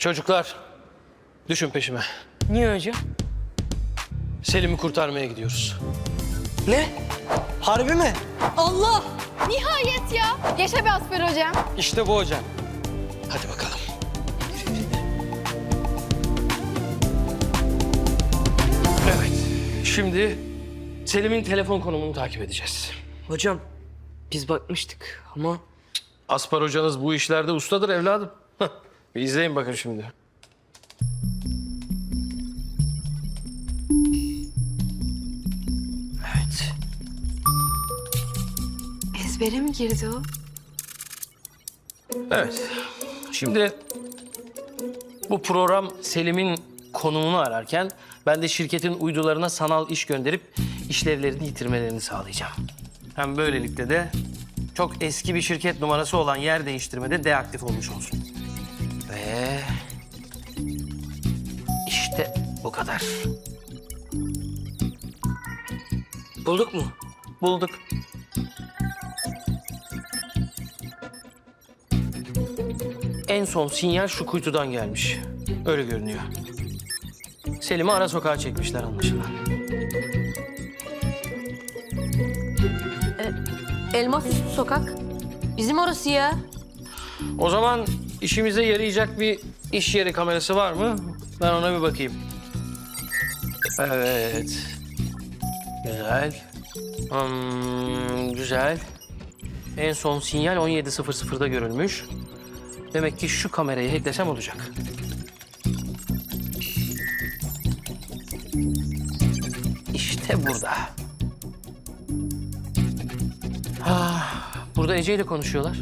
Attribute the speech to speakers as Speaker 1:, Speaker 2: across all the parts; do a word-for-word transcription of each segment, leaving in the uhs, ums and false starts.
Speaker 1: Çocuklar, düşün peşime.
Speaker 2: Niye hocam?
Speaker 1: Selim'i kurtarmaya gidiyoruz.
Speaker 2: Ne? Harbi mi?
Speaker 3: Allah! Nihayet ya. Yaşa be Asfer hocam.
Speaker 2: İşte bu hocam.
Speaker 1: Hadi bakalım. Evet, şimdi Selim'in telefon konumunu takip edeceğiz.
Speaker 2: Hocam biz bakmıştık ama...
Speaker 1: Aspar hocanız bu işlerde ustadır evladım. Hah, bir izleyin bakın şimdi.
Speaker 2: Evet.
Speaker 3: Ezbere mi girdi o?
Speaker 1: Evet, şimdi bu program Selim'in konumunu ararken ben de şirketin uydularına sanal iş gönderip işlevlerini yitirmelerini sağlayacağım. Hem böylelikle de çok eski bir şirket numarası olan yer değiştirmede deaktif olmuş olsun. Ve işte bu kadar.
Speaker 2: Bulduk mu?
Speaker 1: Bulduk. En son sinyal şu kuytudan gelmiş. Öyle görünüyor. Selim'i ara sokağa çekmişler anlaşılan.
Speaker 4: Elmas Üstü Sokak. Bizim orası ya.
Speaker 1: O zaman işimize yarayacak bir iş yeri kamerası var mı? Ben ona bir bakayım. Evet. Güzel. Hmm, güzel. En son sinyal on yedi sıfır sıfırda görülmüş. Demek ki şu kamerayı hacklesem olacak. İşte burada. Ah, burada Ece ile konuşuyorlar.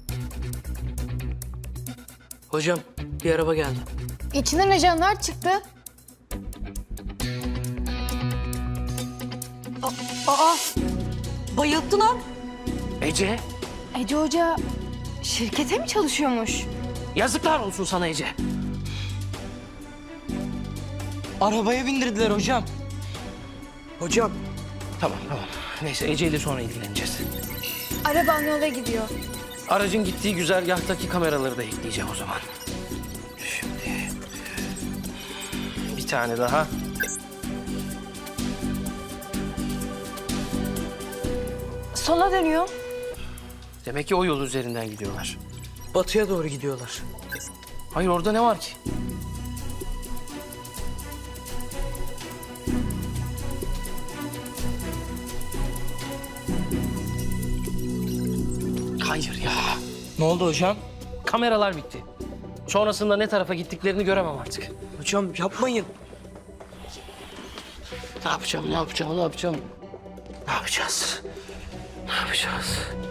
Speaker 2: Hocam bir araba geldi.
Speaker 3: İçinden ajanlar çıktı.
Speaker 4: Aa, bayılttı lan.
Speaker 1: Ece,
Speaker 3: Ece Hoca şirkete mi çalışıyormuş?
Speaker 1: yazıklar olsun sana Ece.
Speaker 2: Arabaya bindirdiler hocam. Hocam
Speaker 1: Tamam, tamam. Neyse Ece ile sonra ilgileneceğiz.
Speaker 3: Araban yola gidiyor.
Speaker 1: Aracın gittiği güzergahtaki kameraları da ekleyeceğim o zaman. Şimdi bir tane daha.
Speaker 3: Sola dönüyor.
Speaker 1: Demek ki o yol üzerinden gidiyorlar.
Speaker 2: batıya doğru gidiyorlar.
Speaker 1: Hayır orada ne var ki? Hayır ya.
Speaker 2: Ne oldu hocam?
Speaker 1: Kameralar bitti. Sonrasında ne tarafa gittiklerini göremem artık.
Speaker 2: Hocam yapmayın.
Speaker 1: Ne yapacağım, ne yapacağım, ne yapacağım? Ne yapacağız? Ne yapacağız?